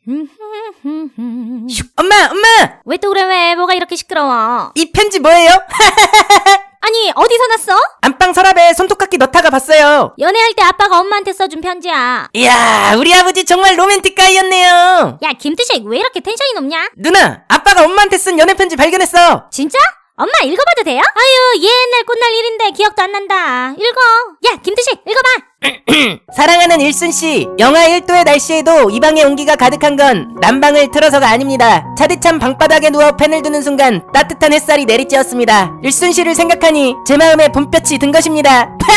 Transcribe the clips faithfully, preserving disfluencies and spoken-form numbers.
엄마, 엄마! 왜 또 그래, 왜? 뭐가 이렇게 시끄러워? 이 편지 뭐예요? 아니, 어디서 났어? 안방 서랍에 손톱깎이 넣다가 봤어요. 연애할 때 아빠가 엄마한테 써준 편지야. 이야, 우리 아버지 정말 로맨틱 가이였네요. 야, 김두식, 왜 이렇게 텐션이 높냐? 누나, 아빠가 엄마한테 쓴 연애 편지 발견했어. 진짜? 엄마 읽어봐도 돼요? 아유, 옛날 꽃날 일인데 기억도 안 난다. 읽어. 야, 김두식, 읽어봐. 사랑하는 일순씨, 영하 일 도의 날씨에도 이 방의 온기가 가득한 건 난방을 틀어서가 아닙니다. 차디찬 방바닥에 누워 펜을 두는 순간 따뜻한 햇살이 내리쬐었습니다. 일순씨를 생각하니 제 마음에 봄볕이 든 것입니다.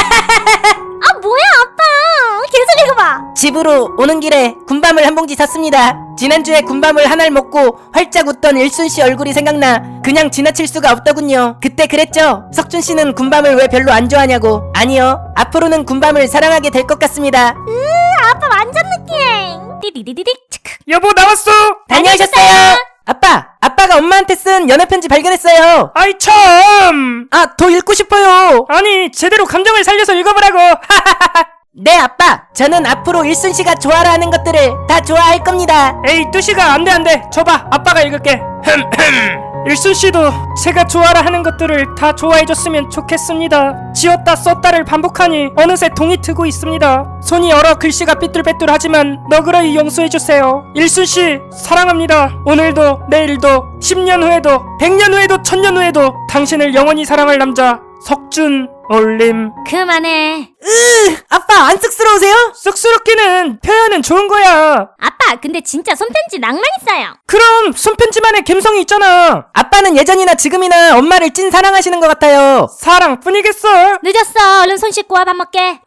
아, 뭐야, 아빠. 계속 읽어봐. 집으로 오는 길에 군밤을 한 봉지 샀습니다. 지난주에 군밤을 하나를 먹고 활짝 웃던 일순씨 얼굴이 생각나 그냥 지나칠 수가 없더군요. 그때 그랬죠? 석준씨는 군밤을 왜 별로 안 좋아하냐고. 아니요, 앞으로는 군밤을 사랑하게 될 것 같습니다. 으, 아빠 완전 느끼해. 띠디디디딕 치크. 여보, 나왔어. 다녀오셨어요? 아빠, 아빠가 엄마한테 쓴 연애 편지 발견했어요. 아이 참. 아, 더 읽고 싶어요. 아니, 제대로 감정을 살려서 읽어보라고. 네, 아빠. 저는 앞으로 일순씨가 좋아라 하는 것들을 다 좋아할 겁니다. 에이, 뚜시가 안돼 안돼. 줘봐, 아빠가 읽을게. 일순씨도 제가 좋아라 하는 것들을 다 좋아해줬으면 좋겠습니다. 지었다 썼다를 반복하니 어느새 동이 트고 있습니다. 손이 얼어 글씨가 삐뚤빼뚤하지만 너그러이 용서해주세요. 일순씨 사랑합니다. 오늘도 내일도 십 년 후에도 백 년 후에도 천 년 후에도 당신을 영원히 사랑할 남자 석준 올림. 그만해. 으, 아빠 안 쑥스러우세요? 쑥스럽기는 표현은 좋은 거야. 아빠, 근데 진짜 손편지 낭만 있어요. 그럼 손편지만의 감성이 있잖아. 아빠는 예전이나 지금이나 엄마를 찐 사랑하시는 것 같아요. 사랑뿐이겠어. 늦었어. 얼른 손 씻고 와, 밥 먹게.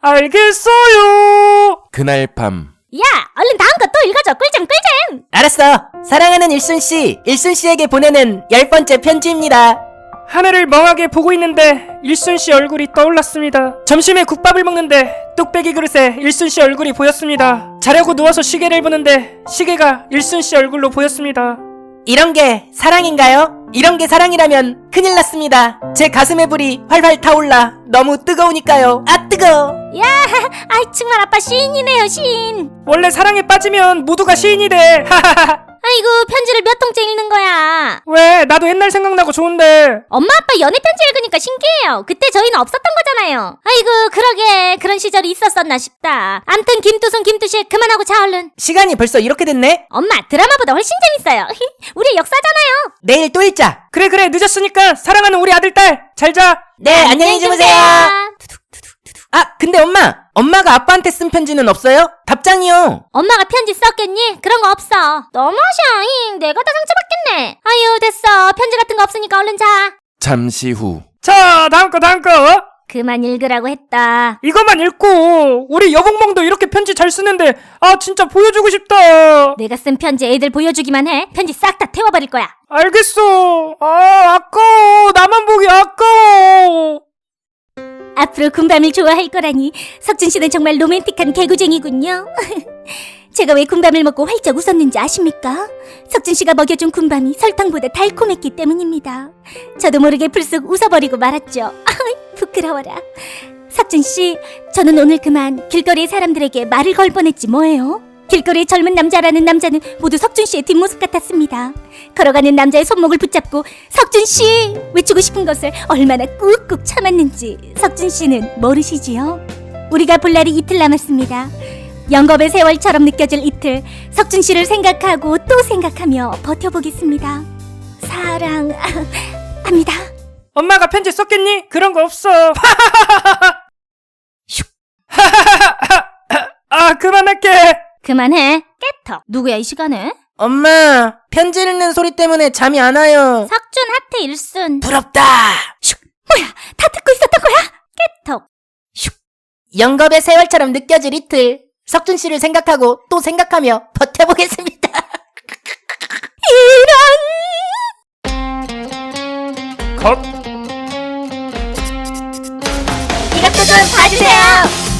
알겠어요. 그날 밤 야, 얼른 다음 거 또 읽어줘. 꿀잼 꿀잼. 알았어. 사랑하는 일순씨, 일순씨에게 보내는 열 번째 편지입니다. 하늘을 멍하게 보고 있는데 일순씨 얼굴이 떠올랐습니다. 점심에 국밥을 먹는데 뚝배기 그릇에 일순씨 얼굴이 보였습니다. 자려고 누워서 시계를 보는데 시계가 일순씨 얼굴로 보였습니다. 이런 게 사랑인가요? 이런 게 사랑이라면 큰일 났습니다. 제 가슴에 불이 활활 타올라 너무 뜨거우니까요. 아, 뜨거워. 야, 아이 정말 아빠 시인이네요, 시인. 원래 사랑에 빠지면 모두가 시인이 돼. 아이고, 편지를 몇 통째 읽는 거야. 왜? 나도 옛날 생각나고 좋은데. 엄마 아빠 연애 편지 읽으니까 신기해요. 그때 저희는 없었던 거잖아요. 아이고, 그러게 그런 시절이 있었었나 싶다. 암튼 김두순 김두식 그만하고 자, 얼른. 시간이 벌써 이렇게 됐네? 엄마, 드라마보다 훨씬 재밌어요. 우리 역사잖아요. 내일 또 읽자. 그래 그래, 늦었으니까 사랑하는 우리 아들딸 잘 자. 네, 안녕히 주무세요. 아, 근데 엄마! 엄마가 아빠한테 쓴 편지는 없어요? 답장이요. 엄마가 편지 썼겠니? 그런 거 없어. 너무하셔. 잉, 내가 다 상처받겠네. 아유, 됐어. 편지 같은 거 없으니까 얼른 자. 잠시 후 자, 다음 거 다음 거. 그만 읽으라고 했다. 이것만 읽고. 우리 여봉몽도 이렇게 편지 잘 쓰는데 아 진짜 보여주고 싶다. 내가 쓴 편지 애들 보여주기만 해. 편지 싹 다 태워버릴 거야. 알겠어. 아 아까워. 나만 보기 아까워. 앞으로 군밤을 좋아할 거라니. 석준 씨는 정말 로맨틱한 개구쟁이군요. 제가 왜 군밤을 먹고 활짝 웃었는지 아십니까? 석준 씨가 먹여준 군밤이 설탕보다 달콤했기 때문입니다. 저도 모르게 불쑥 웃어버리고 말았죠. 부끄러워라. 석준 씨, 저는 오늘 그만 길거리의 사람들에게 말을 걸 뻔했지 뭐예요? 길거리의 젊은 남자라는 남자는 모두 석준 씨의 뒷모습 같았습니다. 걸어가는 남자의 손목을 붙잡고 석준 씨! 외치고 싶은 것을 얼마나 꾹꾹 참았는지 석준 씨는 모르시지요? 우리가 볼 날이 이틀 남았습니다. 영겁의 세월처럼 느껴질 이틀, 석준 씨를 생각하고 또 생각하며 버텨보겠습니다. 사랑합니다. 엄마가 편지 썼겠니? 그런 거 없어. 아 그만할게. 그만해. 깨터. 누구야 이 시간에? 엄마, 편지 읽는 소리 때문에 잠이 안 와요. 석준 하트 일순. 부럽다. 슉. 뭐야, 다 듣고 있었던 거야? 깨터. 슉. 영겁의 세월처럼 느껴질 이틀, 석준씨를 생각하고 또 생각하며 버텨보겠습니다. 이런 컷. 이것도 좀 봐주세요.